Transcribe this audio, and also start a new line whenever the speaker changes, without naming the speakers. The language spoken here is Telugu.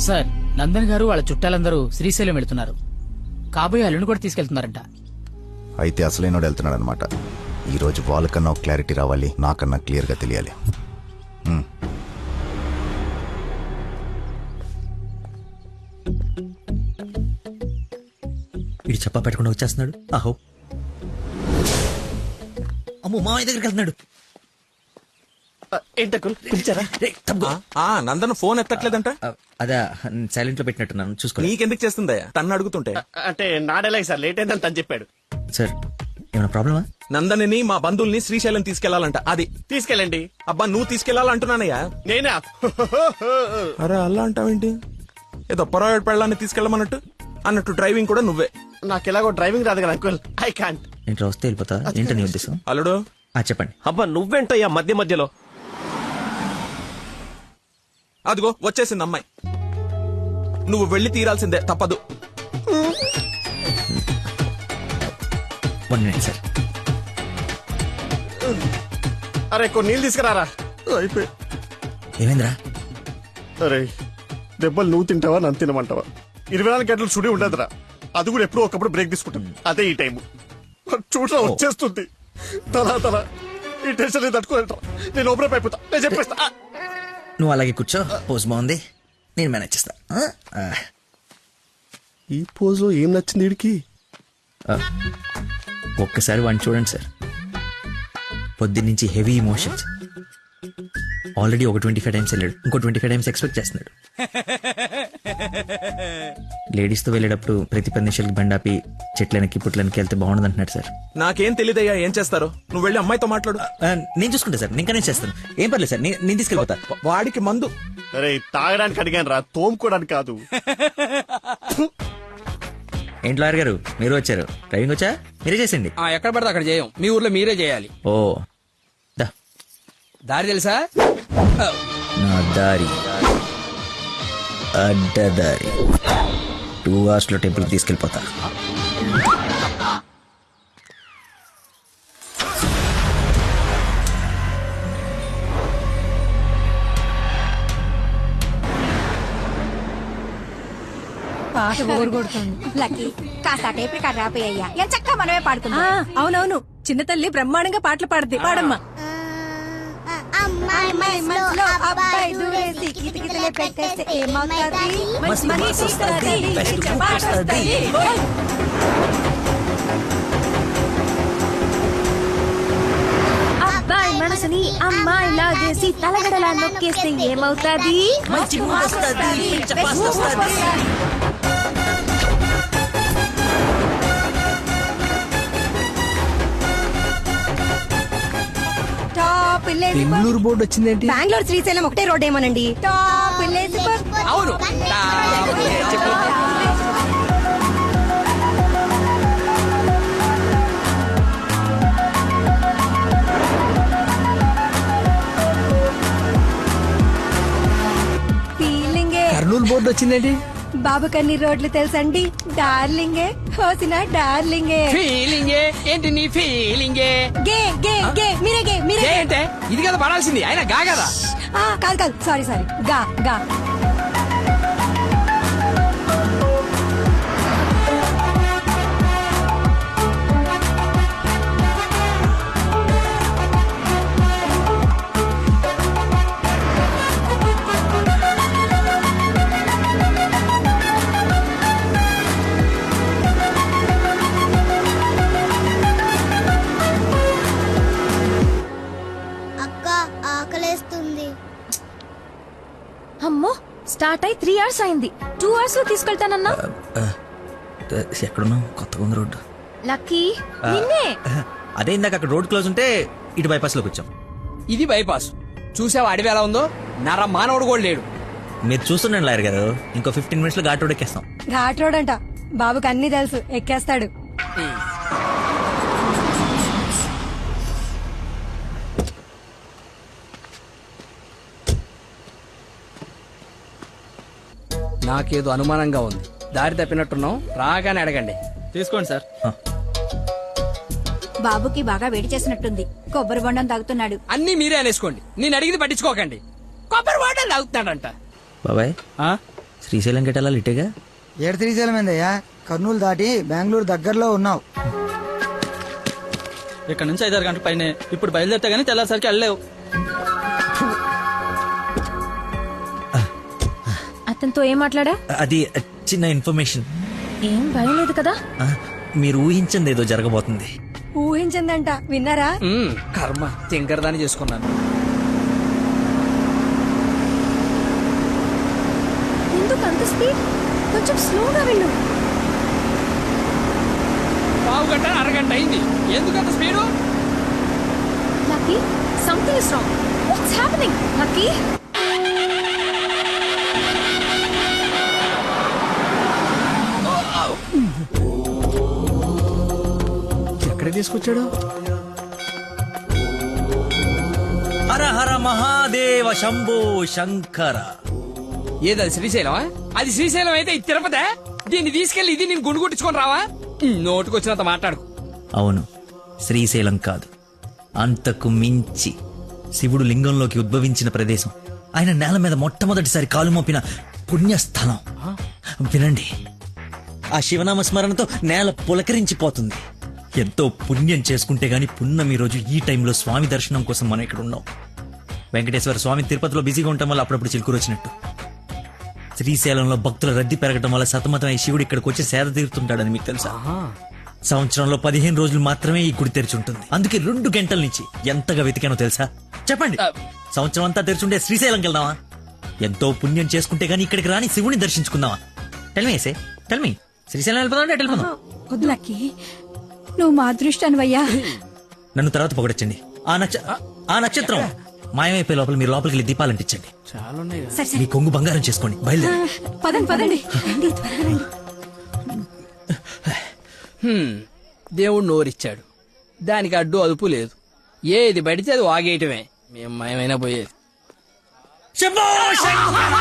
సార్, నందన్ గారు వాళ్ళ చుట్టాలందరూ శ్రీశైలం వెళ్తున్నారు. కాబోయే అల్లుని కూడా తీసుకెళ్తున్నారంట.
అయితే అసలైనోడు వెళ్తున్నాడు అనమాట. ఈరోజు వాళ్ళకన్నా ఒక క్లారిటీ రావాలి, నాకన్నా క్లియర్గా తెలియాలి.
వీడు చెప్పా పెట్టకుండా వచ్చేస్తున్నాడు. ఆహో, అమ్మో, మామయ్య దగ్గరికి వెళ్తున్నాడు.
పిలిచారా?
నందన్ ఫోన్ ఎత్తట్లేదంట.
అదే సైలెంట్ లో పెట్టినట్టున్నాను, చూసుకో.
నీకెందుకు చేస్తుందయ్యా తన్ను అడుగుతుంటే?
అంటే నాడేలాగ సార్, లేట్ అయిందని తను చెప్పాడు.
సార్, ఏమైనా ప్రాబ్లమా?
నందనిని మా బంధువుల్ని శ్రీశైలం తీసుకెళ్లాలంట. అది
తీసుకెళ్ళండి.
అబ్బా, నువ్వు తీసుకెళ్లాలంటున్నానయ్యా.
నేనా?
అరే అలా అంటావేంటి? ఏదో పొరపాటు పెళ్ళాన్ని తీసుకెళ్ళమన్నట్టు అన్నట్టు డ్రైవింగ్ కూడా నువ్వే.
నాకు ఎలాగో డ్రైవింగ్ రాదు కదా అంకుల్, ఐ కాంట్.
ఏంటి వస్తే వెళ్ళిపోతా? ఏంటో నీ ఉద్దేశం?
అల్లుడు
చెప్పండి.
అబ్బా నువ్వేంటయ్యా మధ్య మధ్యలో?
అదిగో వచ్చేసింది అమ్మాయి. నువ్వు వెళ్లి తీరాల్సిందే, తప్పదు.
1 minute సార్.
అరే కొన్ని నీళ్ళు తీసుకురారా. అయిపోయి.
ఏమైందిరా?
అరే దెబ్బలు నువ్వు తింటావా నన్ను తినమంటావా? 24 గంటలు చుడి ఉండదురా. అది కూడా ఎప్పుడో ఒకప్పుడు బ్రేక్ తీసుకుంటుంది. అదే ఈ టైం చూడరా వచ్చేస్తుంది. తలా ఈ టెన్షన్ తట్టుకోలేట. నేను ఓపెన్ అయిపోతా, నేను చెప్పేస్తా.
నువ్వు అలాగే కూర్చో, పోజ్ బాగుంది, నేను మేనేజ్ చేస్తా.
ఈ పోజ్ లో ఏం నచ్చింది వీడికి?
ఒక్కసారి వాడిని చూడండి సార్. పొద్దున్నుంచి హెవీ ఇమోషన్స్. ఆల్రెడీ ఒక 25 టైమ్స్ వెళ్ళాడు, ఇంకో 25 టైమ్స్ ఎక్స్పెక్ట్ చేస్తున్నాడు. లేడీస్ తో వెళ్ళేటప్పుడు ప్రతి 10 నిమిషాలకి బండాపి చెట్లనికి పుట్లనికి వెళ్తే బాగుండదు అంటున్నాడు సార్.
నాకేం తెలియదయ్యా ఏం చేస్తారో. నువ్వు వెళ్ళి అమ్మాయితో మాట్లాడు.
నేను చూసుకుంటా సార్, నేను కనెక్ట్ చేస్తాను. ఏం పర్లేదు సార్, నేను తీసుకెళ్ళిపోతా.
వాడికి మందు.
అరే తాగడానికి అడిగాను రా, తోముకోవడానికి కాదు.
ఏంటి లాయర్ గారు, మీరు వచ్చారు? డ్రైవింగ్ వచ్చా? మీరే చేసిండి.
ఎక్కడ పడితే అక్కడ చేయం, మీ ఊర్లో మీరే చేయాలి.
ఓ దా,
దారి తెలుసా?
నా దారి అడ్డదారి. 2 hours లో టెంపుల్ తీసుకెళ్ళిపోతా.
పాట బోర్ కొడుతుంది.
లక్కీ కాస్త టేప్ రికార్డ్ రాపోయ్యా, ఎంత చక్కగా మనమే పాడుకుందాం.
అవునవును, చిన్న తల్లి బ్రహ్మాండంగా పాటలు పాడుద్ది. పాడమ్మా.
అమ్మాయి మనసులో అబ్బాయి దూరేసి కితకితలే పెట్టేస్తే ఏమవుతుంది?
మనసు వస్తది, పాట వస్తది.
అబ్బాయి మనసుని అమ్మాయి లాగేసి తలగడలా నొక్కేస్తే ఏమవుతుంది?
మంచి మూడ్ వస్తది, చపాస్ వస్తది.
బెంగళూరు బోర్డు వచ్చిందేంటి?
బెంగళూరు శ్రీశైలం ఒకటే రోడ్ ఏమోనండి. టాప్
అవును.
ఫీలింగే.
కర్నూలు బోర్డు వచ్చిందేంటి?
బాబు కన్ని రోడ్లు తెలుసండి. డార్లింగే, హోసిన డార్లింగే.
ఫీలింగే ఏంటి నీ ఫీలింగే?
గే గే గే, మీరే గే, మీరే గే.
ఏంటే ఇది కదా పడాల్సింది, అయినా గా కదా.
కాదు సారీ గా గా.
అమ్మో, స్టార్ట్ అయి 3 hours అయింది. 2 hours లో తీసుకెళ్తానన్నా.
ఎక్కడున్నావు? కొత్తగా ఉంది రోడ్డు.
లక్కీ నిన్నే.
అదే ఇందాక అక్కడ రోడ్ క్లోజ్ ఉంటే ఇటు బైపాస్ లోకి వచ్చాం.
ఇది బైపాస్. చూసావా అడవి ఎలా ఉందో? నర మానవుడు కూడా లేడు.
మీరు చూస్తుండండి లాయర్ గారు, ఇంకో 15 minutes లో ఘాట్ రోడ్ ఎక్కేస్తాం.
ఘాట్ రోడ్ అంట, బాబుకి అన్ని తెలుసు, ఎక్కేస్తాడు.
నాకేదో అనుమానంగా ఉంది. దారి తప్పినట్టున్నాం, రాగానే అడగండి.
తీసుకోండి సార్.
బాబుకి బాగా వేడి చేసినట్టుంది, కొబ్బరి బొండం తాగుతున్నాడు.
అన్ని మీరే అనేసుకోండి, నేను అడిగింది పట్టించుకోకండి. కొబ్బరి వాటర్ తాగుతున్నాడంట.
బాబాయ్, శ్రీశైలం గెటాలి ఇటేగా.
ఏడు శ్రీశైలమైందయ్యా, కర్నూలు దాటి బెంగళూరు దగ్గరలో ఉన్నావు.
ఇక్కడ నుంచి 5-6 గంటల పైన ఇప్పుడు బయలుదేరితే గానీ తెల్లారిసరికి వెళ్ళలేవు.
అతనితో ఏం మాట్లాడా?
అది చిన్న ఇన్ఫర్మేషన్.
ఏం భయం లేదు కదా?
మీరు ఊహించింది ఏదో జరగబోతుంది.
ఊహించిందంట, విన్నారా?
కర్మ తింకరదాన్ని చేసుకున్నాను.
ఎందుకు అంత స్పీడ్? కొంచెం స్లోగా వెళ్ళు.
పావు గంట అరగంట అయింది, ఎందుకంత speed?
Lucky, something is wrong. What's happening? Lucky,
ఎక్కడ తీసుకొచ్చాడు?
హర హర మహాదేవ శంభో శంకర.
ఏది అది శ్రీశైలమా? అది శ్రీశైలం అయితే ఇది తిరుపతే. దీన్ని తీసుకెళ్లి ఇది నేను గుండు కొట్టించుకొని రావా? నోటుకొచ్చినంత మాట్లాడుకు.
అవును, శ్రీశైలం కాదు, అంతకు మించి శివుడు లింగంలోకి ఉద్భవించిన ప్రదేశం, ఆయన నేల మీద మొట్టమొదటిసారి కాలు మోపిన పుణ్యస్థలం. వినండి, ఆ శివనామ స్మరణతో నేల పులకరించిపోతుంది. ఎంతో పుణ్యం చేసుకుంటే గాని పున్నమి రోజు ఈ టైంలో స్వామి దర్శనం కోసం మనం ఇక్కడ ఉన్నాం. వెంకటేశ్వర స్వామి తిరుపతిలో బిజీగా ఉండటం వల్ల అప్పుడప్పుడు చిలుకూరు వచ్చినట్టు. శ్రీశైలంలో భక్తుల రద్దీ పెరగడం వల్ల సతమతం ఈ శివుడు ఇక్కడికి వచ్చి సేద తీరుతుంటాడని మీకు తెలుసా? సంవత్సరంలో 15 రోజులు మాత్రమే ఈ గుడి తెరిచి ఉంటుంది. అందుకే 2 గంటల నుంచి ఎంతగా వెతికానో తెలుసా? చెప్పండి, సంవత్సరం అంతా తెరిచుంటే శ్రీశైలంకి వెళ్దామా? ఎంతో పుణ్యం చేసుకుంటే గానీ ఇక్కడికి రాని శివుని దర్శించుకుందామా? టెల్మీ టెల్మీ శ్రీశైలం వెళ్ళిపోదాం అంటే వెళ్ళిపోదాం.
వద్దు లక్కీ, నువ్వు మా అదృష్టానివయ్యా.
నన్ను తర్వాత పొగడొచ్చండి. ఆ నక్షత్రం మాయమైపోయే లోపల మీరు లోపలికి వెళ్ళి దీపాలు అంటించండి. మీ కొంగు బంగారం చేసుకోండి. బయలుదేరి
పదండి పదండి, రండి, త్వరగా రండి.
దేవుడు నోరిచ్చాడు, దానికి అడ్డు అదుపు లేదు. ఏది పడితే అది వాగేయటమే. మేము మయమైనా పోయేది.
శంభో శంకర!